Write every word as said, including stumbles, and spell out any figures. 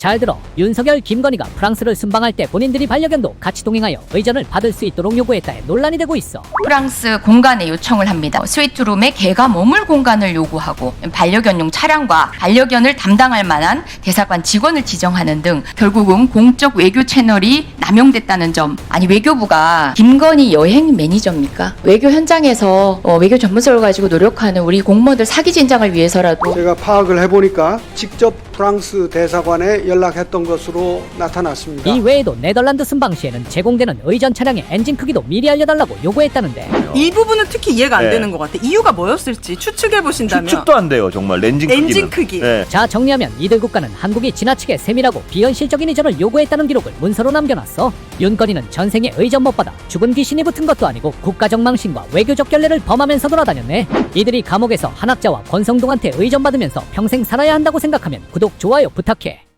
잘 들어. 윤석열, 김건희가 프랑스를 순방할 때 본인들이 반려견도 같이 동행하여 의전을 받을 수 있도록 요구했다에 논란이 되고 있어. 프랑스 공간에 요청을 합니다. 스위트룸에 개가 머물 공간을 요구하고 반려견용 차량과 반려견을 담당할 만한 대사관 직원을 지정하는 등 결국은 공적 외교 채널이 남용됐다는 점. 아니, 외교부가 김건희 여행 매니저입니까? 외교 현장에서 어, 외교 전문성을 가지고 노력하는 우리 공무원들 사기 진작을 위해서라도. 제가 파악을 해보니까 직접 프랑스 대사관에 연락했던 것으로 나타났습니다. 이 외에도 네덜란드 순방 시에는 제공되는 의전 차량의 엔진 크기도 미리 알려달라고 요구했다는데, 이 부분은 특히 이해가 안 네. 되는 것 같아. 이유가 뭐였을지 추측해 보신다면. 추측도 안 돼요, 정말. 엔진 크기는. 엔진 크기. 네. 자, 정리하면 이들 국가는 한국이 지나치게 세밀하고 비현실적인 의전을 요구했다는 기록을 문서로 남겨놨어. 윤건희는 전생에 의전 못 받아 죽은 귀신이 붙은 것도 아니고 국가적 망신과 외교적 결례를 범하면서 돌아다녔네. 이들이 감옥에서 한학자와 권성동한테 의전 받으면서 평생 살아야 한다고 생각하면 구독, 좋아요 부탁해.